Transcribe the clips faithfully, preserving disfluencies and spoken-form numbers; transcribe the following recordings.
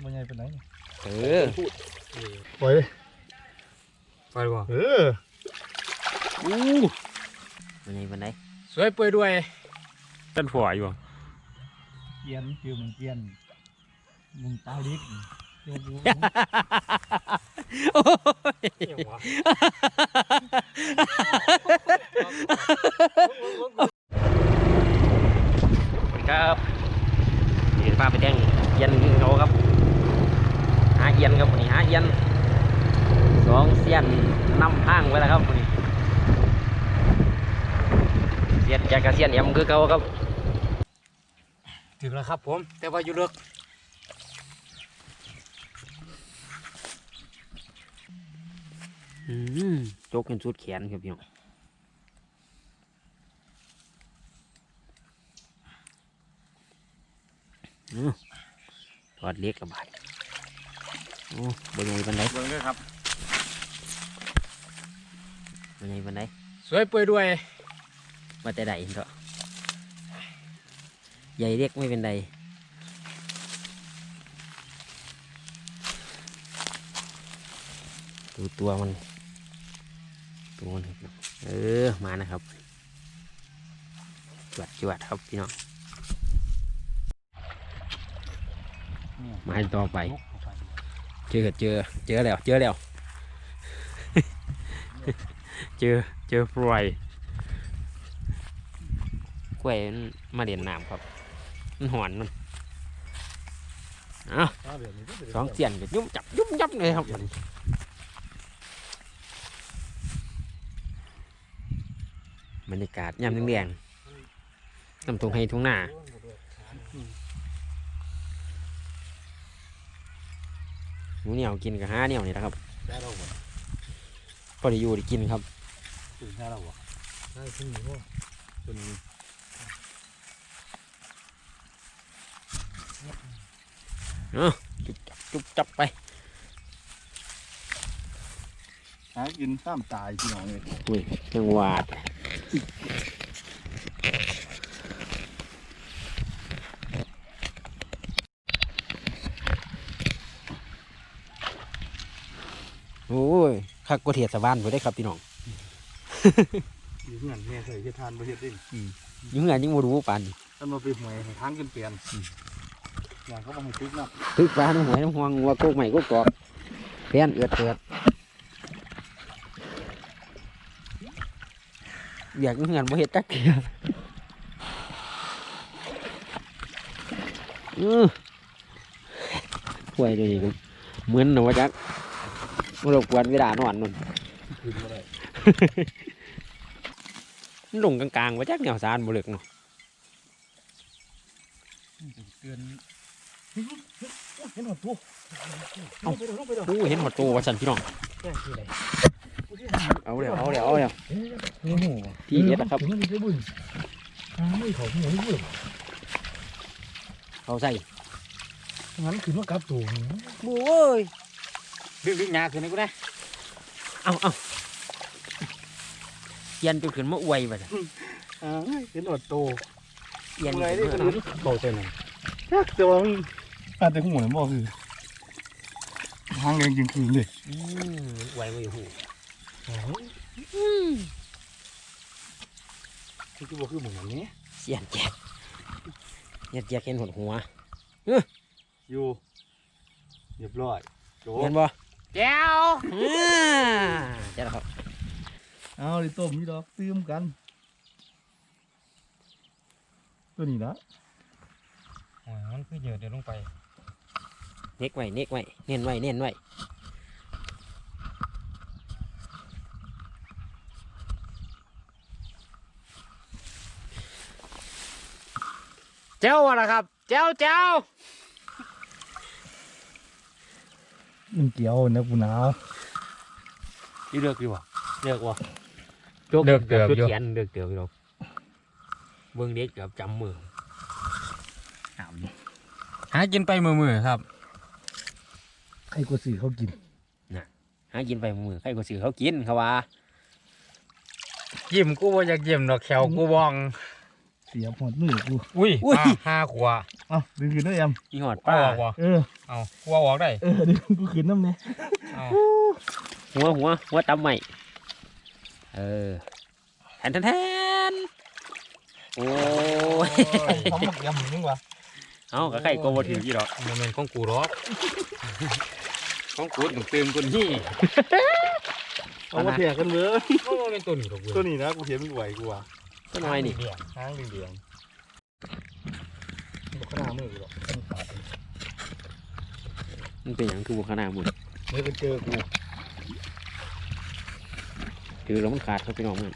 มันใหญ่เป็นไหนเออปล่อยเลยปล่อยก่อนเอออู้มันใหญ่เป็นไหนสวยเปื่อยด้วยต้นฝอยอยู่เกียนฟิวมึงเกียนมึงตายดิโอ้ยครับนี่ป้าไปแดงเย็นเขาครับหาเย็นครับวันนี้หาเย็นสองเสียนนำทางไว้แล้วครับวันนี้เสียนจากกระเสียนเอ็มคือเขาครับถึงแล้วครับผมแต่ว่าอยู่เลือกโจกกันสุดแขนครับพี่น้องทอดเล็กกับบาดโอ้เป็นไงบันไดเบิ่งด้วยครับเป็นไงบันไดสวยเปื่อยด้วยมาแต่ใดเห็นเถอะใหญ่เล็กไม่เป็นไรดูตัวมันตัวมันเออมานะครับจวดจวดครับพี่น้องมาต่อไปเจอเจอเจอแล้วเจอแล้วเจอเจอปล่อยกล้วยมาเด่นน้ำครับมันหอนมันอ้าวสองเสียนก็ยุ่มจับยุ่มยับเลยครับบรรยากาศยามแดงๆน้ำตรงให้ทุ่งหน้าหนูเหนียวกินกับห้าเหนียวนี่นะครับพอได้อยู่ได้กินครับตื่นได้แล้ววะได้ขึ้นอยู่ว่าเป็นเออจุบจับจุบจับไปหากินซ้ำตายพี่น้องเลยอุ้ยจังหวาดโอ้ยคักกว่าเทียดสะบ้านไปได้ครับพี่น้องอยู่เงินแม่เคยเฮ็ดทานประเทศดิอยู่เงินยังบ่รู้ปานท่านมาไปหวยทางกันเปลี่ยนอย่างเขาบอกให้ตึกนะตึกปลาน้ำหวยน้ำหวงงัวโกกใหม่โกกกอกเพี้ยนเอือดเอือดอยากอยู่เงินบ่เฮ็ดจักเทื่ออือหวยตัวนี้ก็เหมือนนะว่าจักมันรบกวนเวลานอนนู่นลงกลางๆว่าจักแนวสารบ่เลิกเนาะเตือนเห็นหมดตัวเอ้าโอ้เห็นหมดตัวว่าสั่นพี่น้องเอาเดี๋ยวเอาเดี๋ยวเอาเดี๋ยวที่เด็ดนะครับเขาใส่งั้นคือว่ากลับตัวโอ้ยดึงดึงหนาขึ้นนี่กูได้เอาเอาเย็นจนขึ้นมาอวยไปจ้ะอ่าเห็นหมดโตเย็นเลยนี่คือโตเต็มเลยแต่ว่าอาจจะหัวมันบ่คือทางแดงจริงคืนเลยอวยมาอยู่หูที่คือบ่คือเหมือนนี้เสียนแจกเย็นแจกเห็นหดหัวอยู่เรียบร้อยเห็นบ่แก้วเจ้าครับเอาดิต้มนี่ดอกตื้มกันตัวนี้นะอ๋อมันคือเยอะเดี๋ยวลงไปเน็กไว้เน็กไว้เน้นไว้เน้นไว้เจ้าอะไรครับเจ้าเจ้ามันเกี่ยวนะกูหนาวที่เลือกดีวะเลือกวะเลือกเกือบอยู่เขียนเลือกเกือบอยู่เบื้องเด็กเกือบจำมือหากินไปมือมือครับใครก็ซื้อเขากินนะหากินไปมือใครก็ซื้อเขากินเขาว่ายิ้มกูว่าอยากยิ้มดอกแขวกูบองแขสียบหอดมือกูอุ้ยอุ้ยห้าขวาเอ้าดึงขึ้นได้ยังมีหอดป้าป้าออกวะเออเอาขวาออกได้เออดึงกูขึ้นน้ำเนี่ยเอาหัวหัวหัวตำใหม่เออแทนแทนแทนโอ้ยทำหมกยำนึงวะเอากระไข่ก็บ่ถือกี่ดอกโมเมนต์ของกูหรอกของกูถึงเติมคนนี่เอามาแทกกันเว้ยโมเมนต์ตัวนี้หรอกเว้ยตัวนี้นะกูเห็นมันไหวกูอ่ะก็น้อยนี่เดียวห้างเดียงๆบอกขนาดมือกูหรอกมันขาดมันเป็นอย่างคือบุคคลาหมุนเมื่อไปเจอกูถือแล้วมันขาดเขาไปน้องมัน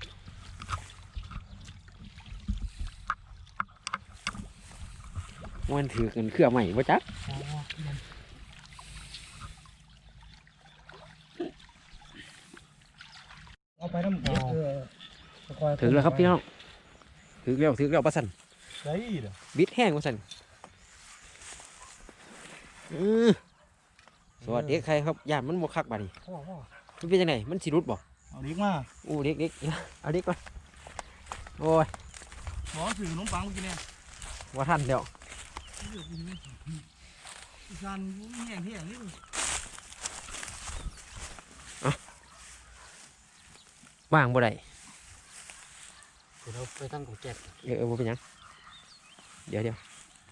มันถือกันเครือใหม่ป่จักเอาไปน้ำเออถือแล้วครับพี่น้องถือแล้วถือแล้วปะสันได้เหรอบิดแห้งปะสันอือสวัสดีใครครับย่านมันบวคักบาดนีพ่อพ่อมันเป็นยังไงมันสิรุดบ่เอาเด็กมาอู้เด็กเด็กเอาเด็กก่อนโอ้ยหมอสื่อขนมปังกินเนี่ยว่าทันเดี๋ยวซันแห้งแห้งนี่ว่างบ่ได้เดี๋ยวเราไปตั้งของแก๊สเออเออบ่เป็นหยังเดี๋ยวเดี๋ยว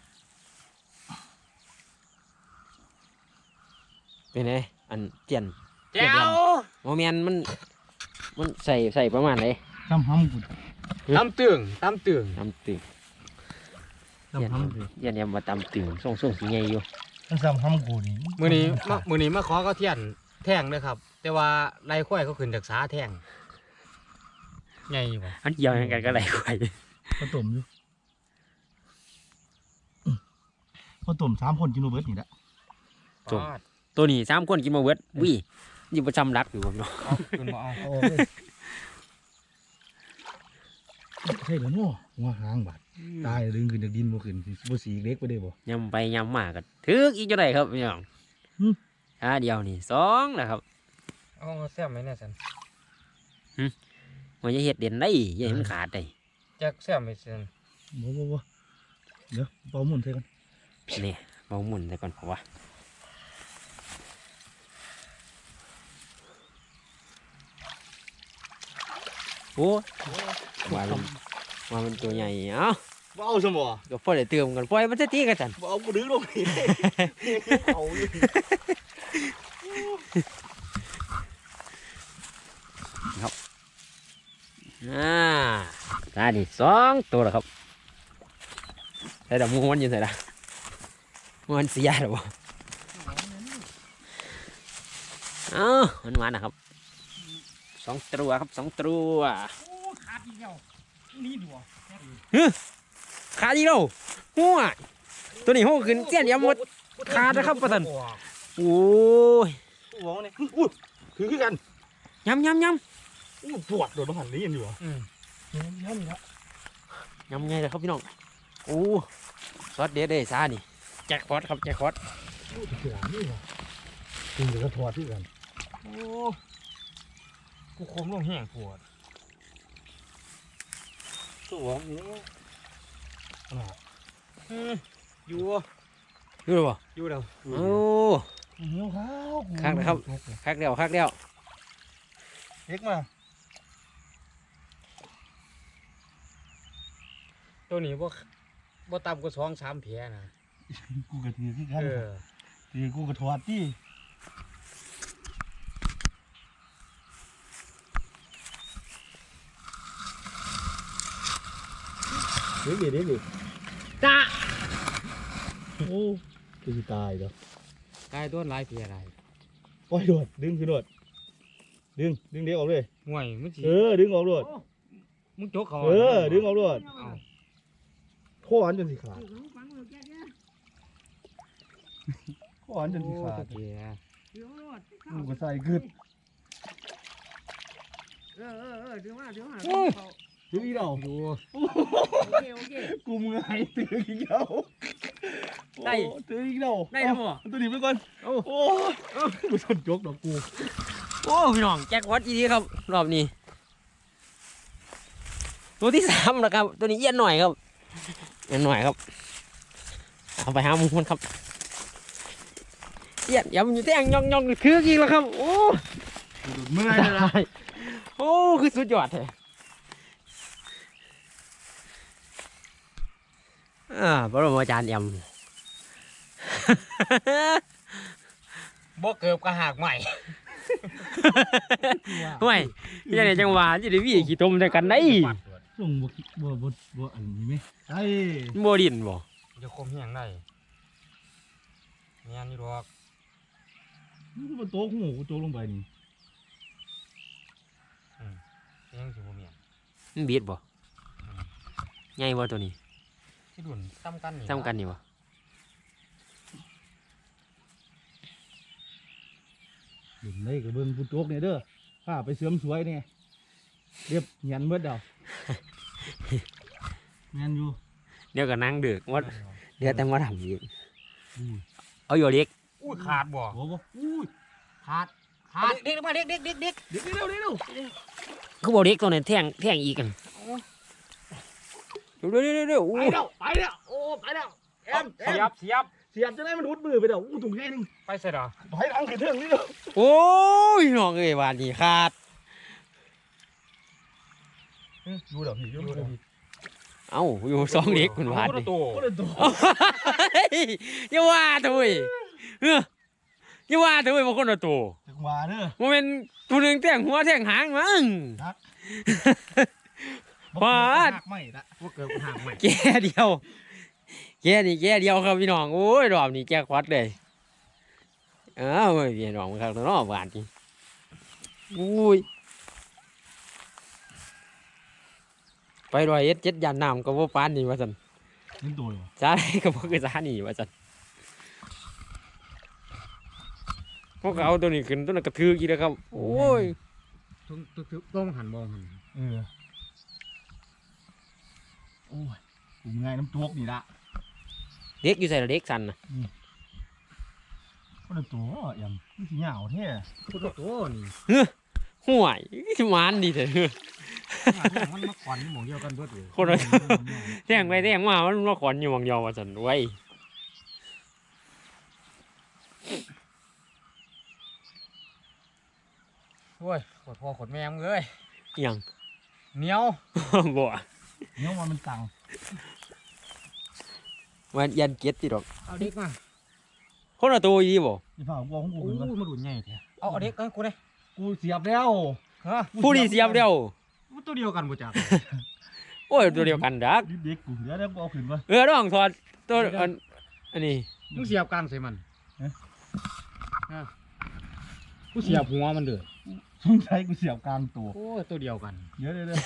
เป็นไงอันเจียนเจ้าโมเมนมันมันใส่ใส่ประมาณไหนทำห้ำกูตำตึงตำตึงตำตึงทำห้ำกูยันยำมาตำตึงส่งส่งสีใหญ่อยู่ถ้าทำห้ำกูนี่มือนี้มามือนี้มาขอเขาเทียนแท่งเลยครับ แต่ว่าไรข้อยเขาขึ้นจากสาแท่งไงวะอันเดียวกันก็ไหลไข่ผสมอยู่ผสมสามคนกินโนเบิร์ตนี่แหละจบตัวนี้สามคนกินมาเวิร์ดวิ่ยิ่งประจำรักอยู่ผมเนาะเอาขึ้นมาเอาเอาออกเลยใช่แล้วเนาะหัวหางบาดตายดึงขึ้นจากดินบ่ขึ้นบ่สีเล็กไปได้บ่ยำไปยำมากันถึกอีกจะได้ครับพี่น้องหึอ่าเดียวนี่สองนะครับเอาแซ่บไหมเนี่ยสันมันจะเห็ดเด่นได้อยังให้มันขาดได้แจ็คแซ่บไหมสันบ่บ่บ่เดี๋ยวเป่าหมุนใส่กันนี่เบาหมุนแต่ก่อนเพราะว่าโอ้ว่ามันว่ามันตัวใหญ่เอ้าบ่เอาซะบ่ก็พอได้เติมกันปล่อยมันจะตีกันจันบ่เอาบ่ดึงลงนี่เอาอยู่อ่าตาดิสองตัวแล้วครับใส่ดอกมูมันอยืนใส่ละมันเสียหรอวะเอ้ามันมานะครับสองตัวครับสองตัวโอ้ขาดอีกแล้วนี่ดูขาดอีกแล้วหัวตัวนี้หัวขึ้นเสี้ยนยำหมดขาดนะครับประสันโอ้ยหัวนี่อุ้ยคือคือกันยำยำยอู้ปวดโดนหันนี้กันอยู่อ่ะอืมนี่นี่ละำยำไงเลยครับพี่น้องโอ้ซอสเด็ดเลยซานี่แจ็คพอตครับแจ็คพอตอู้เสือนี่ว่ะกินเดี๋ยวก็ทอดที่กันโอ้กูคมลงแห้งปวดตัวนี้อ่าอืมอยู่ดูเลยป่ะอยู่เดี๋ยวโอ้เหนียวข้าวคักนะครับ คักเดียวคักเดียวเล็กมาตัวนี้บ่บ่ต่ำกว่าสองสามแผลนะกูกระถือที่กันเออถือกูกระทอดที่เด็กดิเด็กดิจ้าโอ้คือตายแล้วกายต้นหลายแผลหลายปล่อยโดดดึงคือโดดดึงดึงเด็กออกเลยห่วยมึงสิเออดึงออกโดดมึงจกเขาเออดึงออกโดดเอาข้ออันจนสิขาดข้ออันจนสิโอ้ขาดตะเกียกูก็ใส่กึดเออเออเออเดี๋ยวมาเดี๋ยวมาถืออีเดาอยู่โอเคโอเคกูมึงไงถืออีเดาได้โอ้ถืออีเดาได้แล้วบ่เอาตัวนี้ไปก่อนโอ้โอ้กูสนจกดอกกูโอ้พี่น้องแจ็คพอตอีดีครับรอบนี้โตัวที่สามแล้วครับตัวนี้เอี้ยนหน่อยครับเอี้ยนหน่อยครับเอาไปหาหมูมันครับเอี้ยนยำอยู่แท่งยองยองคือจริงแล้วครับโอ้เมื่อยเลยนะโอ้คือสุดยอดเลยอ่าพระบรมอาจารย์ยำบ่เกิบกระหากใหม่ไม่ยังไงจังหวะจะได้วิ่งขี่ต้มด้วยกันได้ส่งบ่บ่บ่บ่อันนี้ไหมไอ้โมดินบ่จะคมเฮียงได้เมียนนี่ดอกนี่ก็บ่โต๊ะหูกูโต๊ะลงไปนี่เฮียงสิบ่เมียนมันบีดบ่ใหญ่บ่ตัวนี้ที่ดุนซ้ำกันนี่ซ้ำกันนี่บ่เห็นเลยกับเบิ่งกูโต๊ะเนี่ยเด้อพาไปเสริมสวยเนี่ยเรียบเหียนเบิดเดาแม่นอยู่เดี๋ยวก็นั่งดึกว่าเดี๋ยวแต่มาทำอีกอุ้ยเอาอยู่เด็กอุ้ยขาดบ่โอ้บ่อุ้ยขาดขาดเด็กมาเด็กเด็กเด็กเด็กเดี๋ยวเร็วเร็วเร็วคือบอกเด็กตัวนั้นแท่งแท่งอีกกันเร็วเร็วเร็วเร็วไปแล้วไปแล้วโอ้ไปแล้วแอมแอเสียมบเสียบเสียบจะได้มันรุดมือไปเด้ออู้ถุงใหญ่หนึงไปเสร็จเหรอถอยหลังขึ้นเทิงนี่เด้อโอ้ยน้องเอ้ยวานนี่ขาดดูเด้อพี่ดูเด้อพี่เอ้าอยู่สองเด็กคนวานโอ้นี่โหโอ้เด้อตัวอย่าว่าเถอะเว้ยเอออย่าว่าเถอะเว้ยบางคนละตัวจังหวะเด้อมันเป็นตัวหนึ่งแท่งหัวแท่งหางมั้ง ปาดหักไม่ละว่าเกิดกระหากใหม่แก่เดียวแก่นี่แก่เดียวครับพี่น้องโอ้ยรอบนี้แก่ควัดเลยเอ้าเว้ยพี่น้องครับตัวน้องหวานจริงอุ้ยไปรอยเอ็ดเจ็ดยานน้ำก็บ่ปานนี่ว่าซั่นนี่ตัวเหรอจ้าได้ก็บ่คือจ้านี่ว่าซั่นพวกเขาเอาตัวนี้ขึ้นตัวนั้นกระทือกี่แล้วครับโอ้ยต้องต้องหันมองหันเออโอ้ยกูง่ายน้ำตัวนี่ละเด็กอยู่ใส่ละเด็กสั่นน่ะโอ้เด้อตัวยังนี่สิเหงาแท้พุทธโตนี่ห่วยสิหวานดีเถอะมันมาขวัญหมองเดียวกันเบิดเลยคนละแท่งไปแท่งมามันมาขอนอยู่หวังยอว่าซั่นไว้ยโอ้ยขดพ่อขดแม่มึงเลยอิหยังเหนียวบ่เนี่ยมันมันตังมันยันเกียรติดอกเอาเด็กมาคนละตัวอีบ่อย่าพากูของกูโอ้ขึ้นยมามาดุนใหญ่แท้เอาเอาเด็กเอากูเลยกูเสียบแล้วฮะผู้นี้เสียบเดียวมันตัวเดียวกันบ่จักโอ้ยตัวเดียวกันดักเด็กกูเดี๋ยวเดี๋ยวกูเอาขึ้นมาเออน้องถอดตัวอันอันนี้มึงเสียบกลางใส่มันฮะกูเสียบหัวมันเด้อสงสัยกูเสียบกลางตัวโอ้ยตัวเดียวกันเดี๋ยวเดี๋ยวเดี๋ยว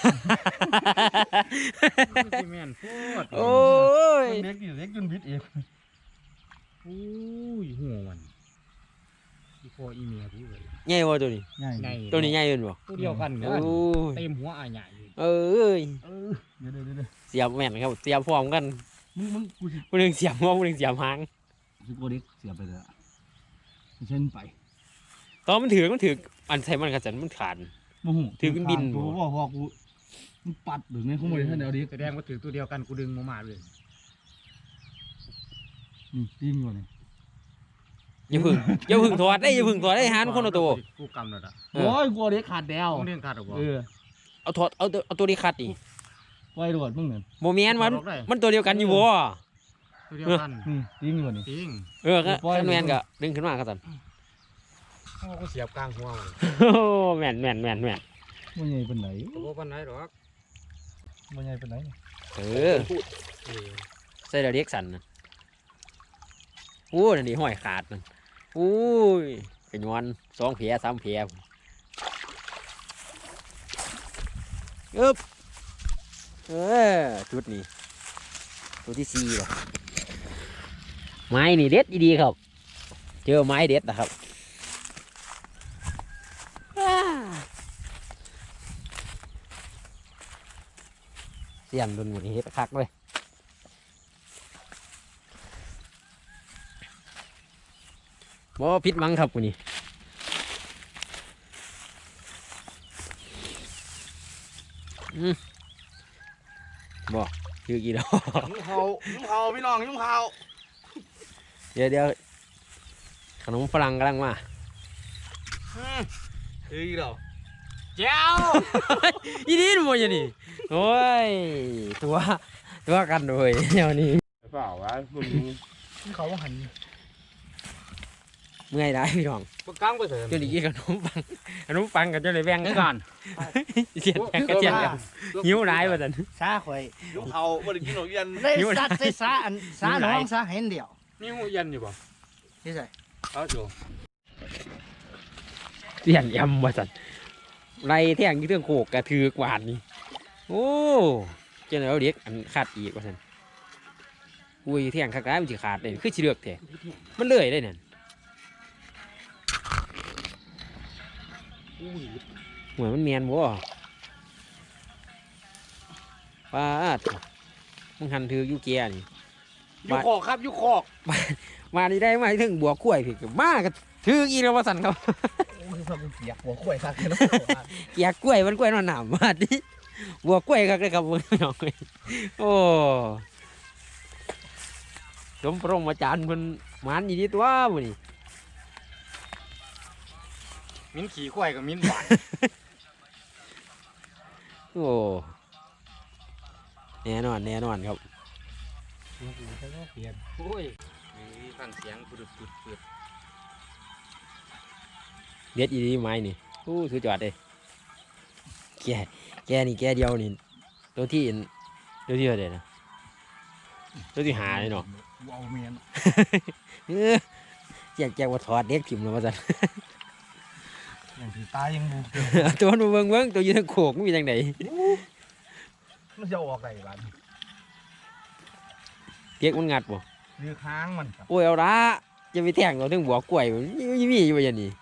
แม่นโพดโอ้ยเด็กนี่เด็กจนบิดเองโอ้ยหัวมันอีพ่ออีเมียกูเลยใหญ่บ่ตัวนี้ง่ายใหญ่ตัวนี้ใหญ่เกินบ่ตัวเดียวกันโอ้เด้อย เต็มหัวอาใหญ่อยู่เอ้ยเออเดี๋ยวเดี๋ยวเดี๋ยวเดี๋ยวเสียบแม่นครับเสียบพร้อมกันมึงมึงกูสิผู้หนึงเสียบหัวผู้หนึงเสียบหางสิกูเด็กเสียบไปเลยอะไม่ใช่มันไปตอนมันถือมันถืออันใส่มันกระสันมันขาดโมโหถือขึ้นบินกูบอกว่ากูมันปัดหรือไงเขาไม่ได้ท่านเดียวเด็กแสดงว่าถือตัวเดียวกันกูดึงมามาเลยนี่ตีนอยู่นี่อย่าพึ่งอย่าพึ่งถอดได้อย่าพึ่งถอดได้หานคนละตัวกูกำแล้วอ่ะเอโอ้อยกูเอาเด็กขาดแดวต้องเลี้ยงขาดหรอบ่เออเอาถอดเอาตัวเอาตัวนี้คัดดิปล่อยโดดมึงเนี่ยบ่แม่นมันมันตัวเดียวกันอยู่บ่ตัวเดียวกันนี่ตีนอยู่นี่จริงเออก็คันแม่นก็ดึงขึ้นมาก็สั่นเพราะว่ากูเสียบกลางหัวมันโอ้แม่นแม่นแม่นแม่นมันใหญ่เป็นไหนกูบ่ปานไหนหรอกมันใหญ่เป็นไหนเออเออใส่ดาวเด็กสันนะโอ้นั่นดิห้อยขาดนั่นโอ้ยเป็นวันสองแผลสามแผลอึ๊บเออจุดนี้ตัวที่สี่ว่ะไม้นี่เด็ดดีๆครับเจอไม้เด็ดนะครับอ้าเสียนโดนหมุนเฮ็ดคักเลย บ่ผิดหวังครับกูนี่อืมบ่คือกี่ดอกยุ่งเขายุ่งเขาพี่น้องยุ่งเขาเดี๋ยวเดี๋ยวขนมฝรั่งกำลังมาคืออีกแล้วเจ้าอีนี่ดูอย่างนี้โอ้ยตัวตัวกันเลยเดี๋ยวนี้เปล่าวะมึงเขาหันเมื่อยได้พี่น้องปกลางไปเถอะจนอีกขนมปังขนมปังกันจนเลยแบ่งนี่กัก่อน นเสียดแบ่งกันเสียดกันหิวร้ายว่าสันซาข่อยยุ่งเขาไม่ได้กินหรอกยันได้ซัดใส่ซาอันซาน้องซาเห็นเดียวนี่หูยันอยู่บ่นี่ใส่เอาอยู่เสียดยำว่าสันไรแท่งที่เรื่องโขกกระถือกวาดนี่โอ้เจ้าเอาเด็กอันขาดอีกว่าสันอุ้ยแท่งขาดร้ายมันจะขาดเลยคือชิเลือกแท้มันเลื่อยได้เนี่ยเหมือนมันเมียนบ่ป้าดมึงหันถือยูเกียนี่อยู่คอกครับอยู่คอกมานี่ได้มาถึงบัวกล้วยพี่ก็มาก็ถืออีกแล้วว่าสั่นเขาโอ้ยพากูเปียกหัวข่อยซักเลยนะเกียกกล้วยมันกล้วยนอนหนามมาดิบัวกล้วยครับเลยครับพี่น้องโอ้สมพระอาจารย์มันมันอีนี่ตัวมันนี่มิ้นขี่ควายกับมิ้นหวานโอ้แน่นอนแน่นอนครับโอ้ยนี่ฟังเสียงปุดปุดปุดเด็ดอีนี่ไม้นี่โอ้สุดยอดเลยแกแกนี่แกเดียวนี่ตัวที่ตัวที่อะไรนะตัวที่หาเลยเนาะว้าวเมียนเออแจกแจกว่าถอดเด็กถิ่มแล้วว่าสั่นอย่างที่ตายยังบูตัวมันเบิ่งเบิ่งตัวอยืนโขกมันมีจังไหนมันจะออกอะไรบ้างเด็กมันงัดบ่เรือค้างมันครับโอ้ยเอาละจะไปแทงเราถึงบัวกล้วยมันมีมีอยู่อย่างนี้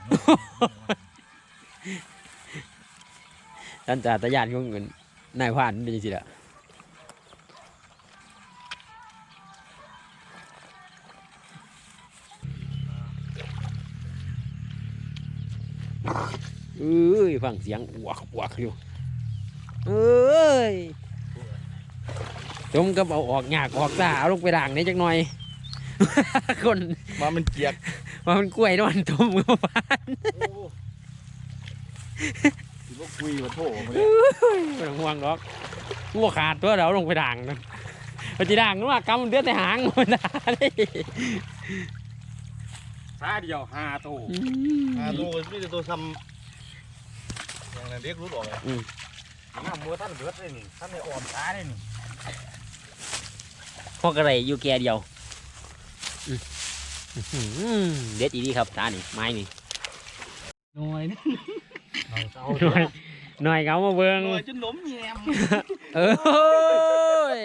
ท่านจ่าตะยานของเงินนายผ่านเป็นจังซี่ล่ะเอ้ยฟังเสียงอวกอวกอยู่เอ้ยจมกับเอาออกยากออกซ่าเอาลงไปด่างนี่จักหน่อย คนมามันเกียกว่ามันกล้วยนอนต้มก็ฟานถือว่าคุยมาโถมาไม่ต้องห่วงหรอกงัวขาดตัวเดี๋ยวลงไปด่างนะไปจีด่างนึกว่ากำมันเดือดในหางมันด่าเลยซาเดียวห้าตัวอ่าตัวนี่จะตัวทำอย่างนั้นเด็กรู้ออกเลยน้ำมือท่านเดือดเลยนี่ท่านได้อ่อนตาเลยนี่พวกอะไรอยู่แก่เดียวเด็ดอีดีครับตานี่ไม้นี่หน่อยนี่เอาหน่อยหน่อยเขามาเบิ้งหน่อยจนหนมแยมเอ้ย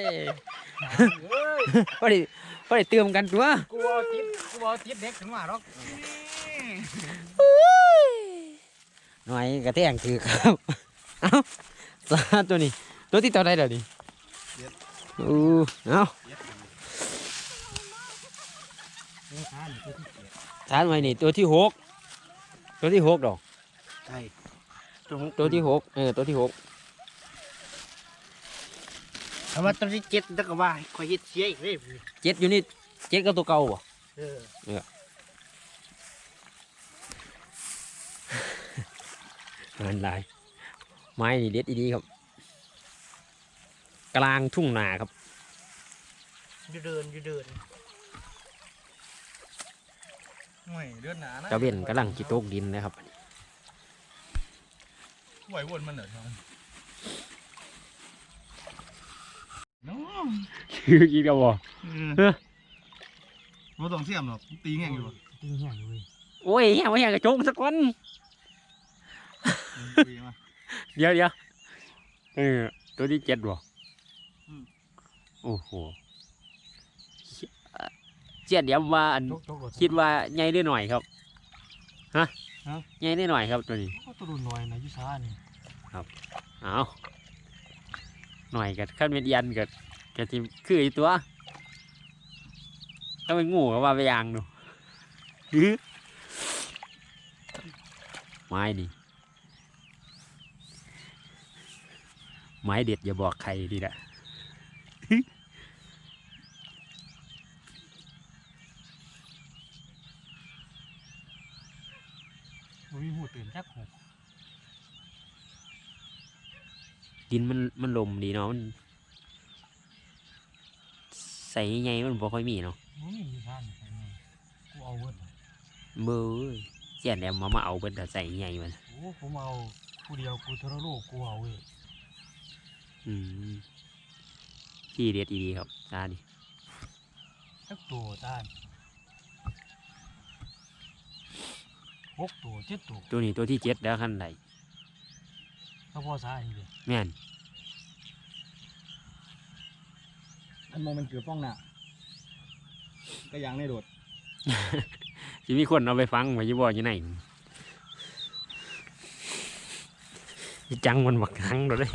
พอดีพอดีเติมกันตัวกลัวติดกลัวติดเด็กถึงว่าหรอกหน่อยกระแทงถือครับ เอ้าสาตัวนี้ตัวที่ตัวใดเดี๋ยวนี้อู้เอ้าทานไว้นี่ตัวที่หกตัวที่หกดอกใช่ตัวที่หกเออตัวที่หกแต่ว่าตอนที่เจ็ดแล้วก็ว่าข่อยเฮ็ดเสียอีกเลยเจ็ดอยู่นี่เจ็ดก็ตัวเก่าบ่เอองานลายไม้นี่เด็ดอีดีครับ กลางทุ่งนาครับอยู่เดินอยู่เดินไม่เดือนหนานะเจ้าเบี้ยนกำลังจิโตกดินนะครับไหววนมันเหรอครับน้องคืออีกแล้วบ่ไม่ต้องเสียมหรอกตีแง่งอยู่จริงเหี้ยเลยโอ้ยแย่ไม่แย่กระจงสักคนตีมาเดี๋ยวเดี๋ยวเออตัวที่เจ็ดบ่โอ้โหเจ็ดเดี๋ยวว่าอันจกจกคิดว่าใหญ่ได้หน่อยครับฮะใหญ่ได้หน่อยครับตัวนี้ก็ตัวรุ่นน้อยนะยุซ่านี่เอาหน่อยกับขั้นเป็นยันกับกับทีมคืออีตัวถ้าเป็นงูก็ว่าไปยางดูอื้อไม้นี่ไม้เด็ดอย่าบอกใครดีละมันมีหูตื่นจักหกดินมันมันลมดีเนาะมันใส่ใหญ่ๆมันบ่ค่อยมีเนาะมันมีอยู่ท่านไปไงกูเอาเวิร์ดเบ้อเสียนแล้วมามาเอาเบิดแต่ใส่ใหญ่มันโอ้ผมเอาผู้เดียวกูทรโลกกูเอาเว้ยอืมที่เด็ดดีๆครับตาดิจักตัวท่านหกตัวเจ็ดตัวตัวนี้ตัวที่เจ็ดแล้วขั้นใดก็พอสาอันนี้เลยแม่นอันมองมันเกือบป้องหน้าก็ยังได้โดดจะมีคนเอาไปฟังไว้อยี่บ่อยู่ไหนจังมันบักทั้งเราได้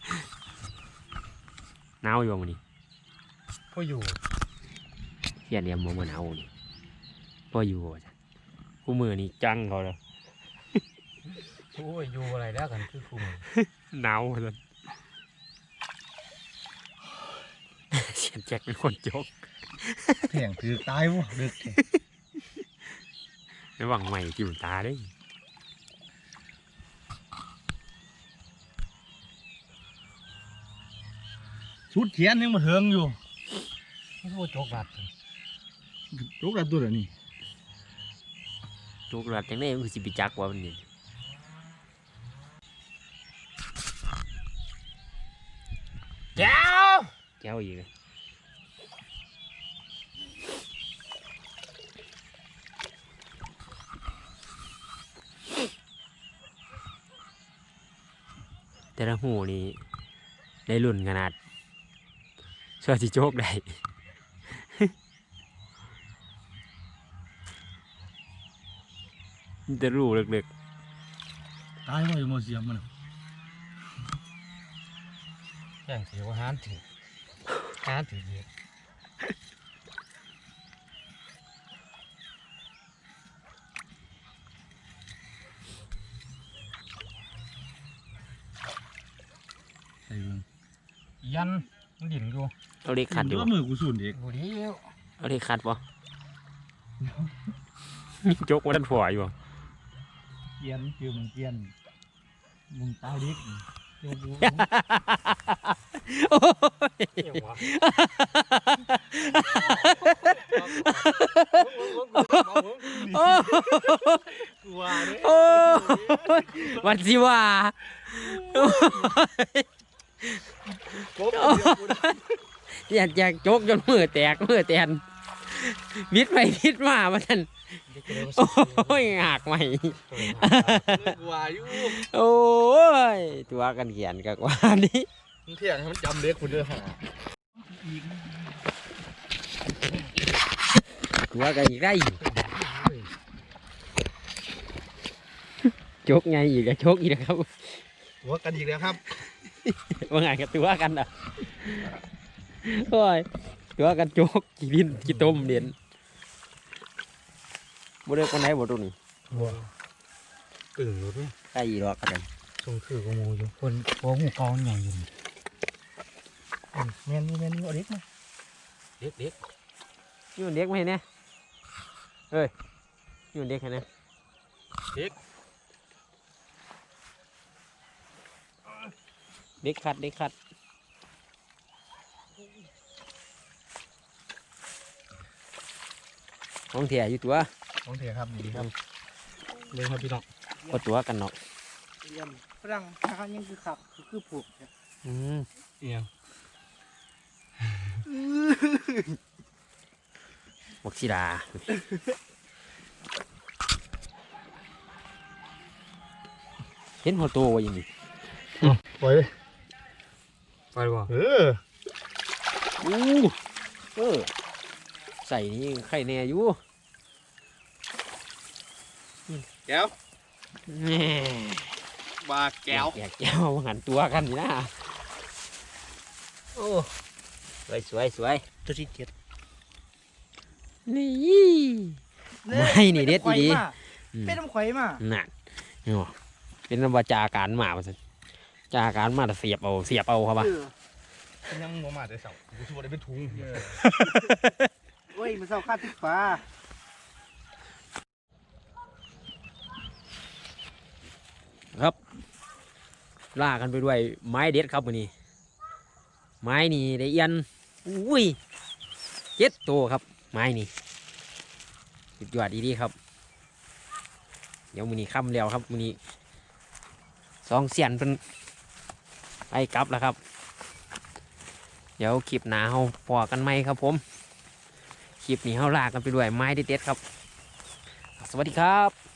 หนาวอยู่มันนี่พออยู่เสียนเรียมมันหนาวนี่พออยู่จ้ะคู่มือนี่จังเขาเลยโอ้ยอยู่อะไรแล้วกันคือคุมหนาวเลยเสียนแจ็คเป็นคนจกแข่งถือตายวะเด็กระหว่างใหม่จิ้มตาได้ชุดเขียนยังมาเถิงอยู่ไม่ใช่ว่าโจกบัดสิลูกอะไรตัวเดี๋ยวนี้จกหลัดจังได้มันคือสิบจักว่ามันนี่แก้วแก้วอีกเลยแต่ละหูนี่ได้รุ่นขนาดช่วยสิโจกได้ มันจะรู้เล็กตายวะอยู่มาเสียมมันแข่งเสียว่าหานถือหานถือเยอะใส่เบิ่งยันมันดิ่นอยู่ๆเอาเล็กขัดอยู่ว่าบ่มือกูสูนเด็กบุรีเอ้วเอาเล็กขัดปะมีโจกว่าด้านฝออยู่บ่เกียนคือมึงเกียนมึงตายเด็กโยกูโอ้ยเอ้วะโอ้กลัวเนี่ยโอ้วันสิว่า อยากอยากโจกจนมือแตกมือแตนวิดไปวิดมาว่าท่านโอ้ยหักใหม่กลัวอยู่โอ้ยตัวกันเขียนกับว่านี้มึงเที่ยงให้มันจำเด็กคุณเด้อหาตัวกันอีกได้โจกไงอีกอะโจกอีกนะครับหัวกันอีกแล้วครับว่าไงกับตัวกันอ่ะโอ้ยตัวกันโจกกี่ดินกี่ต้มเด่นบ่ได้คนไหนบ่ตรงนี้ตึงรถเนี่ยใกล้อีหรอกกันทรงถือกระโมอยู่คนหัวหูกองใหญ่อยู่แมนนี่แมนนี่เอาเด็กมาเด็กเด็กนี่มันเด็กไหมเนี่ยเอ้ยนี่มันเด็กไหมเนี่ยเด็กขัดเด็กขัดของเถียอยู่ตัวของเถียครับดีครับเลยครับพี่น้องก็ตัวกันเนาะเยี่ยมฝรั่งทางยังคือขับคือคือผูกเนี่ยอืมเอียงบักศิดาเห็นหัวโตวะยังนี่ปล่อยเลยไปบ่เอออู้เออใส่นี่ไข่แน่อยู่แก้วแหม่บาแก้วแกแก้วหันตัวกันนี่นะโอ้สวยสวยสวยตัวที่เจ็ดนี่ไม่นี่เด็ดอีดีเป็นน้ำข่อยมานั่นนี่บ่เป็นนำว่าจาการมาว่าซั่นจาการมาแต่เสียบเอาเสียบเอาครับว่าเออยังบ่มาแต่เสากูสิบ่ได้เป็นถุงโอ้ยมันเศร้าค่าติดฟ้าครับล่ากันไปด้วยไม้เด็ดครับวันนี้ ไม้นี่ได้เอียนอุ้ยเจ็ดตัวครับ ไม้นี่สุดยอดดีๆครับ เดี๋ยวมือนี้ค่ำแล้วครับมือนี้สองเสียนเป็นไปกลับแล้วครับ เดี๋ยวคลิปหนาเฮาพอกันไหมครับผมคลิปนี้เฮาลากันไปด้วยไม้เด็ดๆครับ สวัสดีครับ